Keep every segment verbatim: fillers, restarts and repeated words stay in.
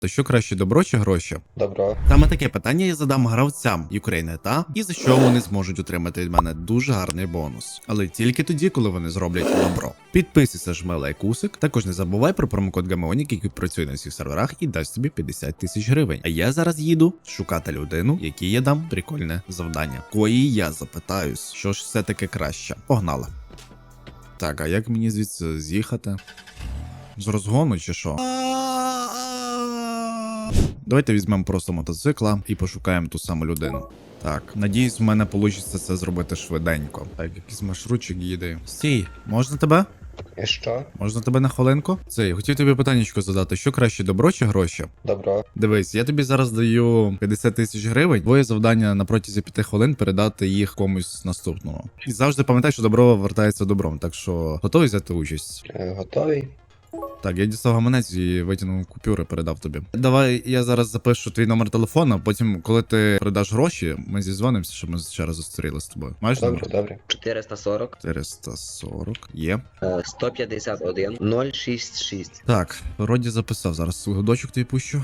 То що краще, добро чи гроші? Добро. Саме таке питання я задам гравцям України та і за що вони зможуть отримати від мене дуже гарний бонус. Але тільки тоді, коли вони зроблять добро. Підписуйся, жми лайкусик. Також не забувай про промокод Гамеонік, який працює на всіх серверах і дасть тобі п'ятдесят тисяч гривень. А я зараз їду шукати людину, якій я дам прикольне завдання. Кої я запитаюсь, що ж все таки краще. Погнали. Так, а як мені звідси з'їхати? З розгону чи що? Давайте візьмемо просто мотоцикла і пошукаємо ту саму людину. Так, надіюсь, в мене вийде це зробити швиденько. Так, якийсь маршрутчик їде. Стій, можна тебе? І що? Можна тебе на хвилинку? Це, я хотів тобі питаннячко задати, що краще, добро чи гроші? Добро. Дивись, я тобі зараз даю п'ятдесят тисяч гривень, твоє завдання на протязі п'яти хвилин передати їх комусь наступному. І завжди пам'ятай, що добро вертається добром, так що готовий взяти участь? Е, готовий? Так, я дістав гаманець і витягнув купюри, передав тобі. Давай я зараз запишу твій номер телефона, потім, коли ти передаш гроші, ми зізвонимося, щоб ми ще раз зустрілися з тобою. Маєш Добре, номер? добре. чотириста сорок, чотириста сорок. Є. е, сто п'ятдесят один, нуль шістдесят шість. Так, вроді записав. Зараз свій годочок тобі пущу.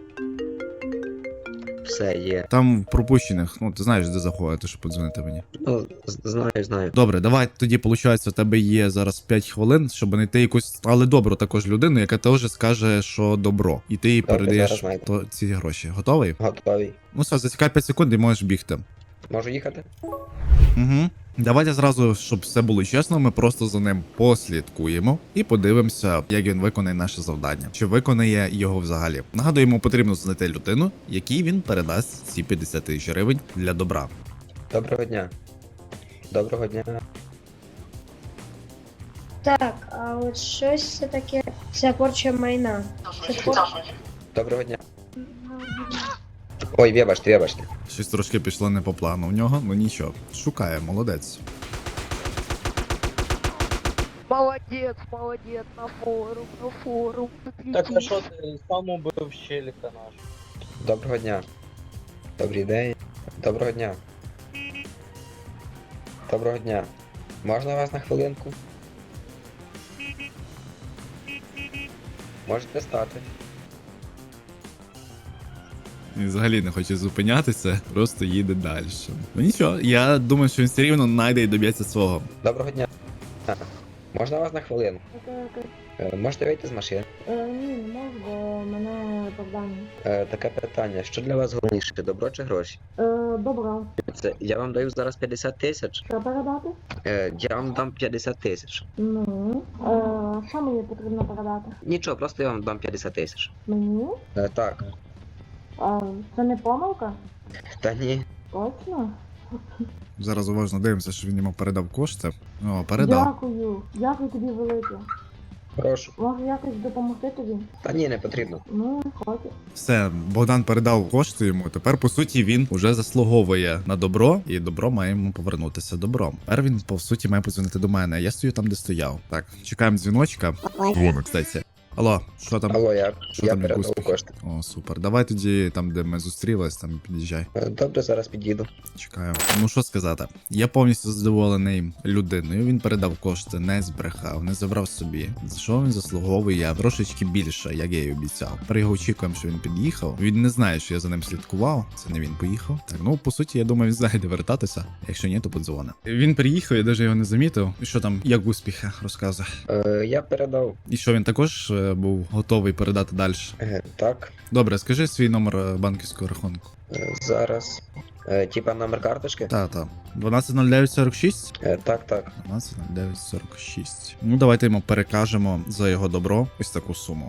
Все є. Там в пропущених, ну ти знаєш, де заходити, щоб подзвонити мені. Ну, з- знаю, знаю. Добре, давай тоді, виходить, у тебе є зараз п'ять хвилин, щоб знайти якусь, але добру також людину, яка теж скаже, що добро. І ти їй Добре, передаєш зараз знайду. то, ці гроші. Готовий? Готовий. Ну все, зачекай п'ять секунд і можеш бігти. Можу їхати? Угу. Давайте зразу, щоб все було чесно, ми просто за ним послідкуємо і подивимося, як він виконає наше завдання. Чи виконає його взагалі. Нагадую, йому потрібно знайти людину, якій він передасть ці п'ятдесят тисяч гривень для добра. Доброго дня. Доброго дня. Так, а от щось все таке. Це порча майна. Це порча. Доброго дня. Ой, вибачте, вибачте. Щось трошки пішло не по плану в нього, ну нічого. Шукає, молодець. Молодец, молодец, на форум, на форум. Так а що ти сам убив щеліка наш? Доброго дня. Добрий день. Доброго дня. Доброго дня. Можна вас на хвилинку? Можете стати. Він взагалі не хоче зупинятися, просто їде далі. Ну нічого, я думаю, що він все рівно знайде і доб'ється свого. Доброго дня. Можна вас на хвилинку? Е, Можете вийти з машини? Е, ні, не можу, бо мене завдання. Е, Таке питання. Що для вас Головніше, добро чи гроші? Е, добре. Це я вам даю зараз п'ятдесят тисяч. Що передати? Е, я вам дам п'ятдесят тисяч. Ну. Е, що мені потрібно передати? Нічого, просто я вам дам п'ятдесят тисяч. Мені? Е, Так. А, це не помилка? Та ні. Точно? Зараз уважно дивимося, що він йому передав кошти. О, передав. Дякую. Дякую тобі велике. Прошу. Можу якось допомогти тобі? Та ні, не потрібно. Ну, хочу. Все, Богдан передав кошти йому. Тепер, по суті, він уже заслуговує на добро, і добро має йому повернутися добром. Тепер він, по суті, має подзвонити до мене. Я стою там, де стояв. Так, чекаємо дзвіночка. Дзвоник, кстати. Алло, що там? Алло, я, Що я там, як передав успіх? кошти. О, супер. Давай тоді там, де ми зустрілись, там під'їжджай. Е, Добре, зараз під'їду. Чекаю. Ну що сказати, я повністю задоволений людиною. Він передав кошти, не збрехав, не забрав собі. За що він заслуговує трошечки більше, як я й обіцяв. Тепер його очікуємо, що він під'їхав. Він не знає, що я за ним слідкував. Це не він поїхав. Так, ну по суті, я думаю, він знає, де вертатися. Якщо ні, то подзвони. Він приїхав, я навіть його не замітив. І що там, як успіхи, розказує. Е, Я передав. І що він також е, був готовий передати далі. Е, Так. Добре, скажи свій номер е, банківського рахунку. Е, Зараз. Е, Типа номер карточки? Та, та. дванадцять нуль дев'ять сорок шість? Е, Так, так. дванадцять нуль дев'ять сорок шість. Ну, давайте йому перекажемо за його добро ось таку суму.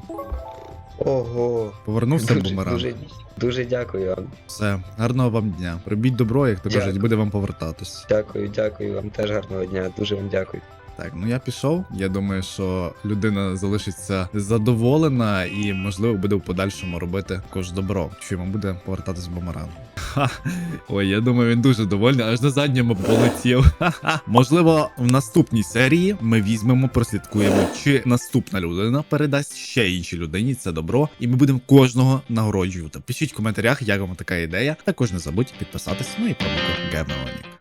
Ого. Повернувся Дуже, бумеранг. дуже, дуже дякую вам. Все, гарного вам дня. Робіть добро, як то Дякую. кажуть, буде вам повертатись. Дякую, дякую вам теж гарного дня. Дуже вам дякую. Так, ну я пішов. Я думаю, що людина залишиться задоволена і, можливо, буде в подальшому робити також добро, що йому буде повертатись бумеранг. Ха. Ой, я думаю, він дуже довольний, аж на задньому полетів. Ха-ха. Можливо, в наступній серії ми візьмемо, прослідкуємо, чи наступна людина передасть ще іншій людині це добро, і ми будемо кожного нагороджувати. Пишіть в коментарях, як вам така ідея. Також не забудь підписатися, ну і промокод Гамеонік.